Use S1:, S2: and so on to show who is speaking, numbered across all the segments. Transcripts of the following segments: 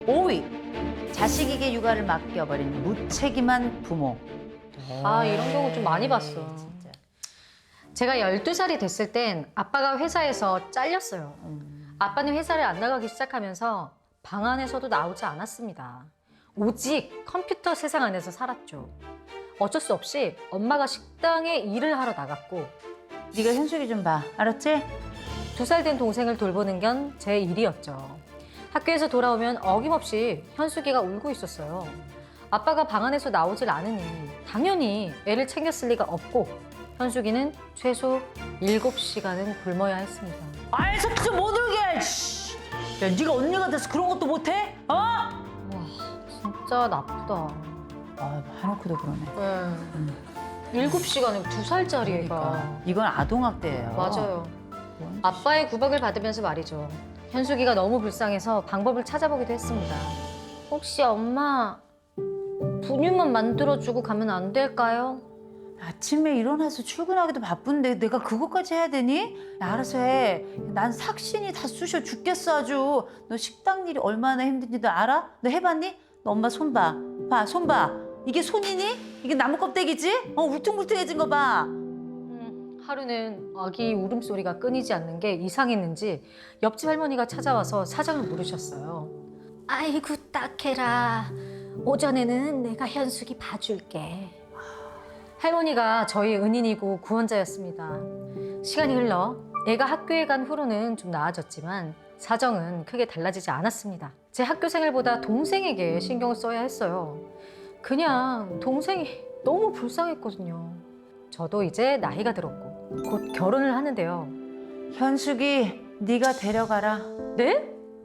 S1: 5위, 자식에게 육아를 맡겨버린 무책임한 부모.
S2: 아, 이런 경우 좀 많이 봤어.
S1: 진짜.
S2: 제가 12살이 됐을 땐 아빠가 회사에서 잘렸어요. 아빠는 회사를 안 나가기 시작하면서 방 안에서도 나오지 않았습니다. 오직 컴퓨터 세상 안에서 살았죠. 어쩔 수 없이 엄마가 식당에 일을 하러 나갔고
S1: 네가 현숙이 좀 봐. 알았지?
S2: 2살 된 동생을 돌보는 건 제 일이었죠. 학교에서 돌아오면 어김없이 현숙이가 울고 있었어요. 아빠가 방 안에서 나오질 않으니 당연히 애를 챙겼을 리가 없고 현숙이는 최소 7시간은 굶어야 했습니다.
S1: 아이 새끼 좀 못 울게. 씨. 야, 네가 언니가 돼서 그런 것도 못해? 어?
S2: 와, 진짜 나쁘다.
S1: 아, 한옥구도 그러네.
S2: 네. 7시간은 2살짜리 애가.
S1: 그러니까. 이건 아동학대예요.
S2: 맞아요. 아빠의 구박을 받으면서 말이죠. 현숙이가 너무 불쌍해서 방법을 찾아보기도 했습니다. 혹시 엄마 분유만 만들어주고 가면 안 될까요?
S1: 아침에 일어나서 출근하기도 바쁜데 내가 그것까지 해야 되니? 야, 알아서 해. 난 삭신이 다 쑤셔 죽겠어 아주. 너 식당 일이 얼마나 힘든지도 알아? 너 해봤니? 너 엄마 손 봐. 봐, 손 봐. 이게 손이니? 이게 나무 껍데기지? 울퉁불퉁해진 거 봐.
S2: 하루는 아기 울음소리가 끊이지 않는 게 이상했는지 옆집 할머니가 찾아와서 사정을 물으셨어요. 아이고 딱해라. 오전에는 내가 현숙이 봐줄게. 할머니가 저희 은인이고 구원자였습니다. 시간이 흘러 애가 학교에 간 후로는 좀 나아졌지만 사정은 크게 달라지지 않았습니다. 제 학교 생활보다 동생에게 신경을 써야 했어요. 그냥 동생이 너무 불쌍했거든요. 저도 이제 나이가 들었고 곧 결혼을 하는데요.
S1: 현숙이 네가 데려가라.
S2: 네?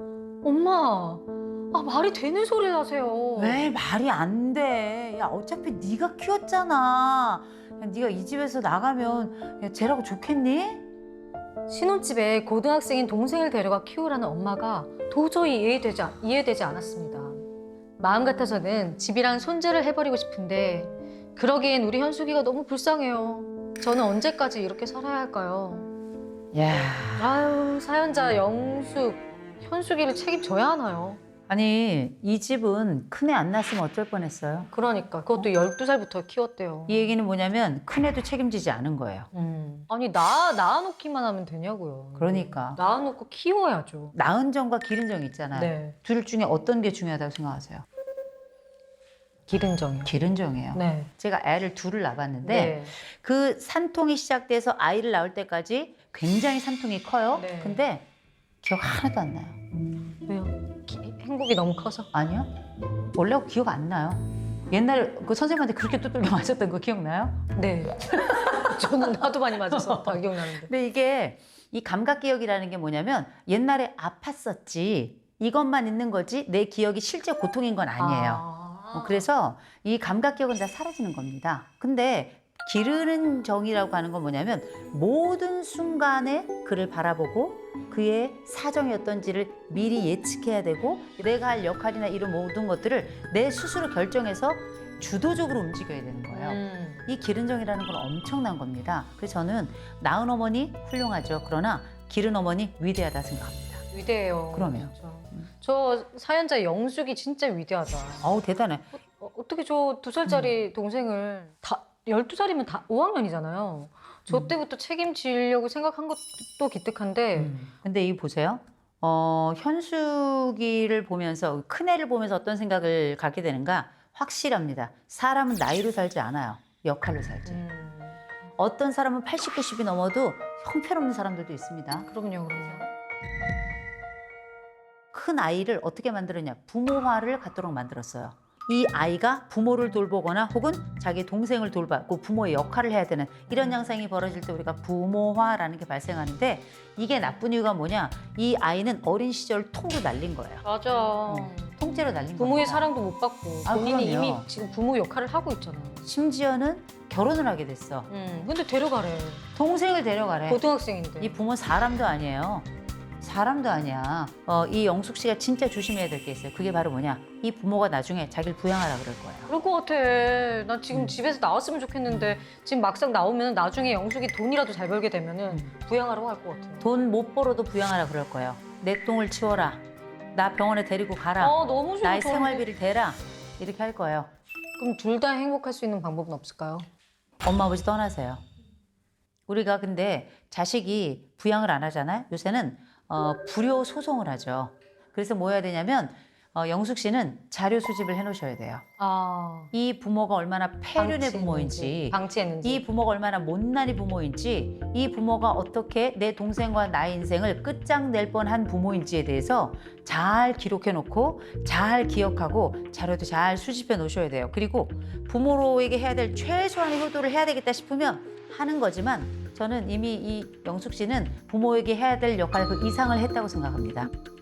S2: 엄마, 말이 되는 소리를 하세요.
S1: 왜 말이 안 돼? 야, 어차피 네가 키웠잖아. 야, 네가 이 집에서 나가면 야, 쟤라고 좋겠니?
S2: 신혼집에 고등학생인 동생을 데려가 키우라는 엄마가 도저히 이해되지 않았습니다. 마음 같아서는 집이랑 손질을 해버리고 싶은데 그러기엔 우리 현숙이가 너무 불쌍해요. 저는 언제까지 이렇게 살아야 할까요?
S1: 야,
S2: 아유, 사연자 영숙, 현숙이를 책임져야 하나요?
S1: 아니 이 집은 큰애 안 낳았으면 어쩔 뻔했어요.
S2: 그러니까 그것도 12살부터 키웠대요.
S1: 이 얘기는 뭐냐면 큰애도 책임지지 않은 거예요.
S2: 아니 낳아놓기만 하면 되냐고요.
S1: 그러니까
S2: 낳아놓고 키워야죠.
S1: 낳은 정과 기른 정 있잖아요.
S2: 네.
S1: 둘 중에 어떤 게 중요하다고 생각하세요?
S2: 기른 정이요.
S1: 기른 정이에요.
S2: 네.
S1: 제가 애를 둘을 낳았는데
S2: 네.
S1: 그 산통이 시작돼서 아이를 낳을 때까지 굉장히 산통이 커요.
S2: 네.
S1: 근데 기억 하나도 안 나요.
S2: 왜요? 행복이 너무 커서?
S1: 아니요. 원래 기억 안 나요. 옛날에 그 선생님한테 그렇게 두들겨 맞았던 거 기억나요?
S2: 네. 저는 하도 많이 맞아서 다 기억나는데.
S1: 근데 이게 이 감각 기억이라는 게 뭐냐면 옛날에 아팠었지 이것만 있는 거지 내 기억이 실제 고통인 건 아니에요. 그래서 이 감각 기억은 다 사라지는 겁니다. 근데 기르는 정이라고 하는 건 뭐냐면 모든 순간에 그를 바라보고 그의 사정이 어떤지를 미리 예측해야 되고 내가 할 역할이나 이런 모든 것들을 내 스스로 결정해서 주도적으로 움직여야 되는 거예요. 이 기른 정이라는 건 엄청난 겁니다. 그래서 저는 낳은 어머니 훌륭하죠. 그러나 기른 어머니 위대하다 생각합니다.
S2: 위대해요.
S1: 그럼요.
S2: 진짜. 저 사연자 영숙이 진짜 위대하다.
S1: 어우 대단해.
S2: 어떻게 저 2살짜리 동생을 다 12살이면 다 5학년이잖아요. 저 때부터 책임지려고 생각한 것도 기특한데
S1: 근데 이 보세요. 현숙이를 보면서 큰애를 보면서 어떤 생각을 갖게 되는가 확실합니다. 사람은 나이로 살지 않아요. 역할로 살지. 어떤 사람은 80, 90이 넘어도 형편없는 사람들도 있습니다.
S2: 그럼요.
S1: 큰 아이를 어떻게 만들었냐? 부모화를 갖도록 만들었어요. 이 아이가 부모를 돌보거나 혹은 자기 동생을 돌보고 부모의 역할을 해야 되는 이런 양상이 벌어질 때 우리가 부모화라는 게 발생하는데 이게 나쁜 이유가 뭐냐? 이 아이는 어린 시절 통으로 날린 거예요.
S2: 맞아.
S1: 통째로 날린
S2: 부모의
S1: 겁니다.
S2: 사랑도 못 받고
S1: 아,
S2: 본인이
S1: 그럼요.
S2: 이미 지금 부모 역할을 하고 있잖아요.
S1: 심지어는 결혼을 하게 됐어.
S2: 근데 데려가래.
S1: 동생을 데려가래.
S2: 고등학생인데.
S1: 이 부모 사람도 아니에요. 사람도 아니야. 이 영숙 씨가 진짜 조심해야 될 게 있어요. 그게 바로 뭐냐? 이 부모가 나중에 자기를 부양하라 그럴 거예요.
S2: 그럴 것 같아. 나 지금 집에서 나왔으면 좋겠는데 지금 막상 나오면 나중에 영숙이 돈이라도 잘 벌게 되면은 부양하라고 할 것 같아.
S1: 돈 못 벌어도 부양하라 그럴 거예요. 내 똥을 치워라. 나 병원에 데리고 가라.
S2: 너무 좋아.
S1: 나의 생활비를 대라. 이렇게 할 거예요.
S2: 그럼 둘 다 행복할 수 있는 방법은 없을까요?
S1: 엄마 아버지 떠나세요. 우리가 근데 자식이 부양을 안 하잖아요. 요새는 불효 소송을 하죠. 그래서 뭐 해야 되냐면 영숙 씨는 자료 수집을 해놓으셔야 돼요. 이 부모가 얼마나 폐륜의 부모인지,
S2: 방치했는지.
S1: 이 부모가 얼마나 못난이 부모인지, 이 부모가 어떻게 내 동생과 나의 인생을 끝장낼 뻔한 부모인지에 대해서 잘 기록해놓고 잘 기억하고 자료도 잘 수집해 놓으셔야 돼요. 그리고 부모로에게 해야 될 최소한의 효도를 해야 되겠다 싶으면 하는 거지만 저는 이미 이 영숙 씨는 부모에게 해야 될 역할 그 이상을 했다고 생각합니다.